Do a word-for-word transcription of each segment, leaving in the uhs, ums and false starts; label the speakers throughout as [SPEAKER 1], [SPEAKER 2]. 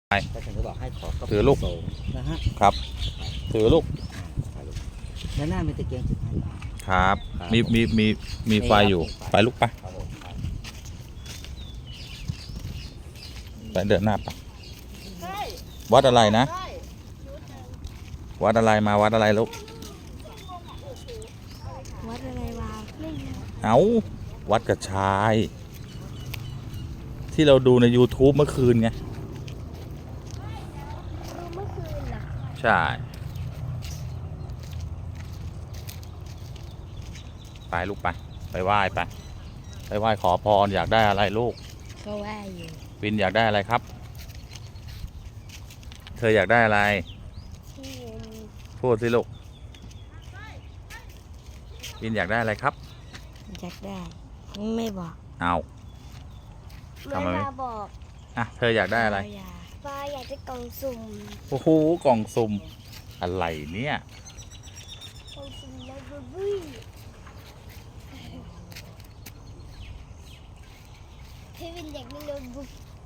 [SPEAKER 1] ก็ฉันก็บอกให้ขอก็
[SPEAKER 2] ถือลูก
[SPEAKER 1] โสมนะฮะ
[SPEAKER 2] ครับ ถือลูก
[SPEAKER 1] ถ่ายรูปด้านหน้ามีตะเกียงจุดให้
[SPEAKER 2] ครับ
[SPEAKER 1] ครับ
[SPEAKER 2] มีมีมีมีไฟ
[SPEAKER 1] มีครับ
[SPEAKER 2] อยู่
[SPEAKER 1] มีไฟ
[SPEAKER 2] ไปลูกไป
[SPEAKER 1] ครับผมครับ
[SPEAKER 2] ไปเดินหน้าไปวัดอะไรนะ วัดอะไรมาวัดอะไรลูก
[SPEAKER 3] วัดอะไรวะไม่รู้
[SPEAKER 2] เอาวัดกระชาย ที่เราดูใน ยูทูบ เมื่อคืนไง
[SPEAKER 3] เมื่อคืนเหรอ
[SPEAKER 2] ใช่ ไปลูกไป ไปไหว้ไป ไปไหว้ขอพรอยากได้อะไรลูก
[SPEAKER 3] ก็ว่าอยู่
[SPEAKER 2] วินอยากได้อะไรครับ เธออยากได้อะไร
[SPEAKER 3] ที่
[SPEAKER 2] พูดสิลูก วินอยากได้อะไรครับ
[SPEAKER 3] อยากได้ ไม่บอก
[SPEAKER 2] เอา ทำไมไม่
[SPEAKER 3] เวลาบอก
[SPEAKER 2] อ่ะ เธออยากได้อะไร
[SPEAKER 3] ป้าอยากได้กล่องสุ่ม
[SPEAKER 2] โอ้โห กล่องสุ่ม อะไรเนี่ย
[SPEAKER 3] กล่องสุ่มไลบรารีพี่วินอยากได้โน้ตบุ๊ก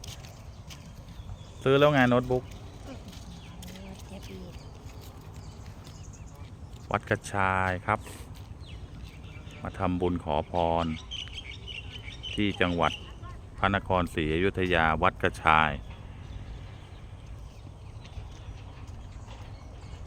[SPEAKER 2] ซื้อแล้วไงโน้ตบุ๊ก
[SPEAKER 3] แท็บเล็ต
[SPEAKER 2] วัดกระชายครับ มาทำบุญขอพร ที่จังหวัดพระนครศรีอยุธยาวัดกระชาย